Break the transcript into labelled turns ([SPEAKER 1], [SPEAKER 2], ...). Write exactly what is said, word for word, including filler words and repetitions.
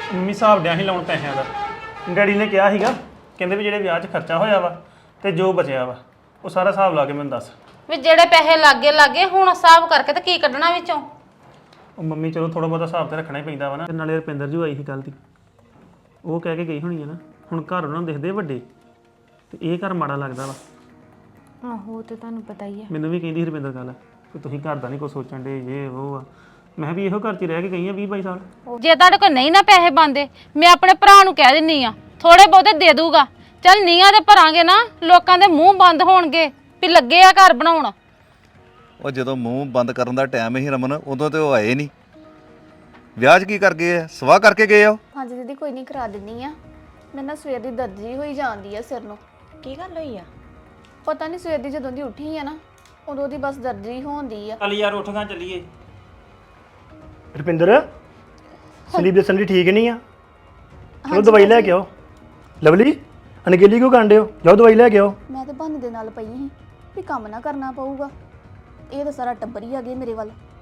[SPEAKER 1] Mummy ਹਿਸਾਬ ਡਿਆ ਸੀ ਲਾਉਣ ਪੈਸਿਆਂ ਦਾ। ਡੈਡੀ ਨੇ ਕਿਹਾ ਸੀਗਾ ਕਹਿੰਦੇ ਵੀ ਜਿਹੜੇ ਵਿਆਹ 'ਚ ਖਰਚਾ ਹੋਇਆ ਵਾ ਤੇ ਜੋ ਬਚਿਆ ਵਾ ਉਹ ਸਾਰਾ ਹਿਸਾਬ ਲਾ ਕੇ ਮੈਨੂੰ ਦੱਸ।
[SPEAKER 2] ਵੀ ਜਿਹੜੇ ਪੈਸੇ ਲੱਗੇ ਲੱਗੇ ਹੁਣ ਹਿਸਾਬ ਕਰਕੇ ਤੇ ਕੀ ਕੱਢਣਾ ਵਿੱਚੋਂ?
[SPEAKER 1] ਉਹ ਮੰਮੀ ਚਲੋ ਥੋੜਾ ਬਹੁਤਾ ਹਿਸਾਬ ਤੇ ਰੱਖਣਾ ਹੀ ਪੈਂਦਾ ਵਾ ਨਾ। ਤੇ ਨਾਲੇ ਰੁਪਿੰਦਰ ਜੀ ਆਈ ਸੀ ਕੱਲ੍ਹ ਦੀ, ਉਹ ਕਹਿ ਕੇ ਗਈ ਹੋਣੀ ਹੈ ਨਾ ਹੁਣ ਘਰ ਉਹਨਾਂ ਨੂੰ ਦਿਖਦੇ ਵੱਡੇ ਤੇ ਇਹ ਘਰ ਮਾੜਾ ਲੱਗਦਾ ਵਾ।
[SPEAKER 3] ਆਹੋ ਤੇ ਤੁਹਾਨੂੰ ਪਤਾ ਹੀ ਆ।
[SPEAKER 1] ਮੈਨੂੰ ਵੀ ਕਹਿੰਦੀ ਰੁਪਿੰਦਰ ਗੱਲ ਕਿ ਤੁਸੀਂ ਘਰ ਦਾ ਨਹੀਂ ਕੁਛ ਸੋਚਣ ਦੇ ਇਹ ਉਹ ਆ। ਮੈਂ ਵੀ ਇਹੋ ਘਰ 'ਚ ਰਹਿ ਕੇ ਗਈ ਆ ਵੀਹ ਬਾਈ ਸਾਲ।
[SPEAKER 2] ਜੇ ਤੁਹਾਡੇ ਕੋਲ ਨਹੀਂ ਨਾ ਪੈਸੇ ਬਣਦੇ ਮੈਂ ਆਪਣੇ ਭਰਾ ਨੂੰ ਕਹਿ ਦਿੰਨੀ ਆ ਥੋੜੇ ਬਹੁਤੇ ਦੇ ਦੂਗਾ। ਚੱਲ ਨੀਆਂ ਤੇ ਭਰਾਂਗੇ ਨਾ ਲੋਕਾਂ ਦੇ ਮੂੰਹ ਬੰਦ ਹੋਣਗੇ ਵੀ ਲੱਗੇ ਆ ਘਰ ਬਣਾਉਣ।
[SPEAKER 4] ਉਹ ਜਦੋਂ ਮੂੰਹ ਬੰਦ ਕਰਨ ਦਾ ਟਾਈਮ ਹੀ ਰਮਨ ਉਦੋਂ ਤੇ ਉਹ ਆਏ ਨਹੀਂ। ਵਿਆਹ 'ਚ ਕੀ ਕਰ ਗਏ ਆ? ਸਵਾਹ ਕਰਕੇ ਗਏ ਆ ਉਹ?
[SPEAKER 5] ਹਾਂਜੀ ਦੀਦੀ ਕੋਈ ਨਹੀਂ ਕਰਾ ਦਿੰਨੀ ਆ। ਮੈਂ ਨਾ ਸਵੇਰ ਦੀ ਦਰਦ ਜਿਹੀ ਹੋਈ ਜਾਂਦੀ ਆ ਸਿਰ ਨੂੰ।
[SPEAKER 3] ਕੀ ਗੱਲ ਹੋਈ ਆ?
[SPEAKER 5] ਪਤਾ ਨਹੀਂ ਸਵੇਰ ਦੀ ਜਦੋਂ ਦੀ ਉੱਠੀ ਆ ਨਾ ਉਦੋਂ ਦੀ ਬਸ ਦਰਦ ਜਿਹੀ ਹੋਣਦੀ ਆ।
[SPEAKER 1] ਚੱਲ ਯਾਰ ਉੱਠ ਗਾ ਚੱਲੀਏ।
[SPEAKER 6] ਰੁਪਿੰਦਰ ਸੰਦੀਪ ਦੇ ਸੰਦੀ ਠੀਕ ਨਹੀਂ ਆ। ਚਲੋ ਦਵਾਈ ਲੈ ਕੇ ਆਓ। ਲਵਲੀ ਅਨਗੇਲੀ ਕਿਉਂ ਕਾਂਡੇ ਹੋ? ਜਾਓ ਦਵਾਈ ਲੈ ਕੇ ਆਓ।
[SPEAKER 5] ਮੈਂ ਤਾਂ ਬਹਾਨੇ ਦੇ ਨਾਲ ਪਈ ਸੀ ਵੀ ਕੰਮ ਨਾ ਕਰਨਾ ਪਊਗਾ। ਇਹ ਤਾਂ ਸਾਰਾ ਟੱਬਰ ਹੀ ਆ ਗਏ ਮੇਰੇ ਵੱਲ।